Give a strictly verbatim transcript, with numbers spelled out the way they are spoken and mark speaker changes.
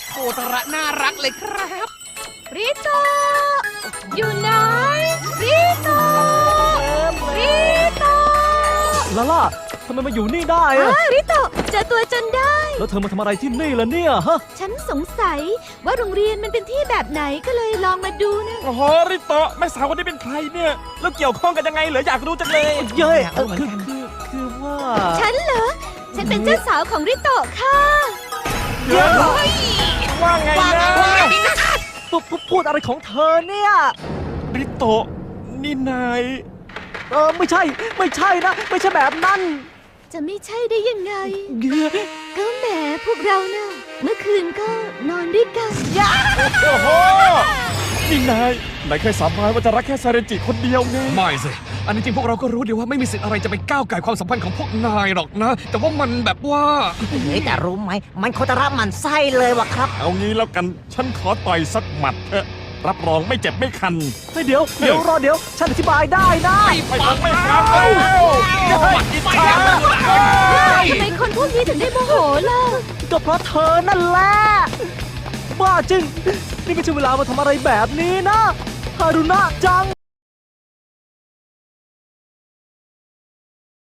Speaker 1: โคตระน่ารักเลยครับ
Speaker 2: ริโตอยู่ไหนริโตริโต
Speaker 3: ลาล่าทำไมมาอยู่นี่ได้อะ
Speaker 2: อ้าริโตเจอตัวจนได้
Speaker 3: แล้วเธอมาทำอะไรที่นี่ล่ะเนี่ยฮะ
Speaker 2: ฉันสงสัยว่าโรงเรียนมันเป็นที่แบบไหนก็เลยลองมาดูนะ
Speaker 4: โอ้โหริโตะแม่สาวคนนี้เป็นใครเนี่ยแล้วเกี่ยวข้องกันยังไงเหรออยากรู้จังเลย
Speaker 3: เย้ยเออคือคือคือว่า
Speaker 2: ฉันเหรอ ฉันเป็นเจ้าสาวของริโตค่ะ
Speaker 4: เดี๋ยวว่าไงนะ
Speaker 3: พูดพูดอะไรของเธอเนี่ย
Speaker 4: ริโตะนี่นาย
Speaker 3: เออไม่ใช่ไม่ใช่นะไม่ใช่แบบนั้น
Speaker 2: จะไม่ใช่ได้ยังไง
Speaker 3: เย้ย
Speaker 2: ก็แหมพวกเรานะ่ะเมื่อคืนก็นอนด้วยกัน
Speaker 4: โอ้โหนี่นายนายเคยสาบานว่าจะรักแค่ซาเรนจิคนเดียวไง
Speaker 1: ไม่สิ อันนี้จริงพวกเราก็รู้ดีว่าไม่มีสิทธิ์อะไรจะไปก้าวไก่ความสัมพันธ์ของพวกนายหรอกนะ แต่ว่ามันแบบว่า
Speaker 5: เฮ้ยแต่รู้ไหม มันโคตรรับมันไส้เลยวะครับ
Speaker 4: เอางี้แล้วกันฉันขอต่อยสักหมัดเถอะรับรองไม่เจ็บไม่คัน
Speaker 3: เฮ้ยเดี๋ยวเดี๋ยวรอเดี๋ยวฉันอธิบายได้นะ
Speaker 4: ไม่ฟังไม่ฟังแล้วปัดอิจฉา
Speaker 2: ทำไมคนพวกนี้ถึงได้โมโหล่ะ
Speaker 3: ก็เพราะเธอนั่นแหละบ้าจริง นี่ไม่ใช่เวลามาทำอะไรแบบนี้นะฮารุนะจัง